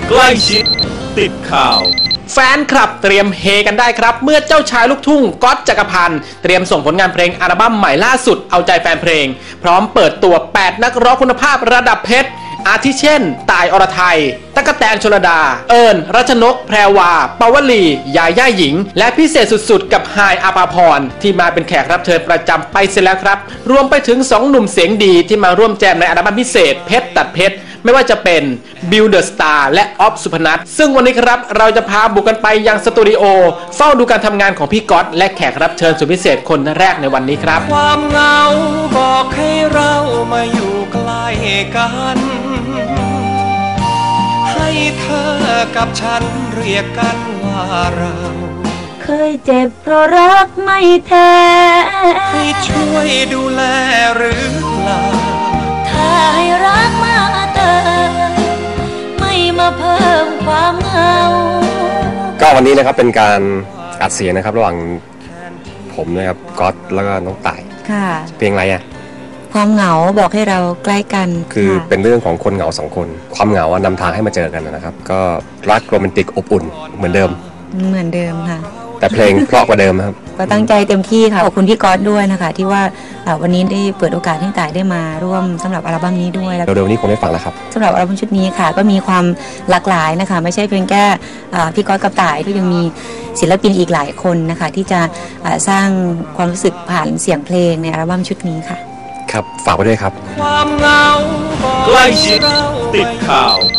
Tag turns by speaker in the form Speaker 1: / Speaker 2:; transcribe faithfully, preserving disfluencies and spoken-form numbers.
Speaker 1: ใกล้ชิดติดข่าว
Speaker 2: แฟนคลับเตรียมเฮกันได้ครับเมื่อเจ้าชายลูกทุ่งก๊อตจักรพันธ์เตรียมส่งผลงานเพลงอัลบั้มใหม่ล่าสุดเอาใจแฟนเพลงพร้อมเปิดตัวแปดนักร้องคุณภาพระดับเพชรอาทิเช่นต่ายอรไทยตั๊กแตนชลดาเอิญรัชนกแพรวาปาวลียาย่าหญิงและพิเศษสุดๆกับไฮายอาภาพรที่มาเป็นแขกรับเชิญประจำไปเสร็จแล้วครับรวมไปถึงสองหนุ่มเสียงดีที่มาร่วมแจมในอัลบั้มพิเศษเพชรตัดเพชรไม่ว่าจะเป็นบิลเดอะสตาร์และออฟสุพนัทซึ่งวันนี้ครับเราจะพาบุกกันไปยังสตูดิโอเฝ้าดูการทำงานของพี่ก๊อตและแขกรับเชิญสุดพิเศษคนแรกในวันนี้ครับ
Speaker 3: ความเหงาบอกให้เรามาอยู่ใกล้กันให้เธอกับฉันเรียกกันว่าเรา
Speaker 4: เคยเจ็บเพราะรักไม่แท้
Speaker 3: ให้ช่วยดูแลหรือเปล่า
Speaker 4: ถ้าให้รักมาเติมไม่มาเพิ่มความเหงา
Speaker 5: ก็วันนี้นะครับเป็นการอัดเสียงนะครับระหว่างผมนะครับก๊อตแล้วก็น้องต่าย
Speaker 4: ค่ะ
Speaker 5: เพลงอะไรอ่ะ
Speaker 4: ความเหงาบอกให้เราใกล้กัน
Speaker 5: คือเป็นเรื่องของคนเหงาสองคนความเหงานำทางให้มาเจอกันนะครับก็รักโรแมนติกอบอุ่นเหมือนเดิม
Speaker 4: เหมือนเดิมค่ะ
Speaker 5: แต่เพลงเพราะกว่าเดิมครับ
Speaker 4: ก็ตั้งใจเต็มที่ค่ะขอบคุณพี่ก๊อตด้วยนะคะที่ว่าวันนี้ได้เปิดโอกาสให้ต่ายได้มาร่วมสำหรับอัลบั้มนี้ด้วย
Speaker 5: แล้วเร็วๆนี้คงได้ฟังแล้วครับ
Speaker 4: สำหรับอัลบั้มชุดนี้ค่ะก็มีความหลากหลายนะคะไม่ใช่เพียงแค่พี่ก๊อตกับต่ายก็ยังมีศิลปินอีกหลายคนนะคะที่จะสร้างความรู้สึกผ่านเสียงเพลงในอัลบั้มชุดนี้ค่ะ
Speaker 5: ครับฝากไว้ด้วยครับ
Speaker 1: ความเหงาใกล้ชิดติดข่าว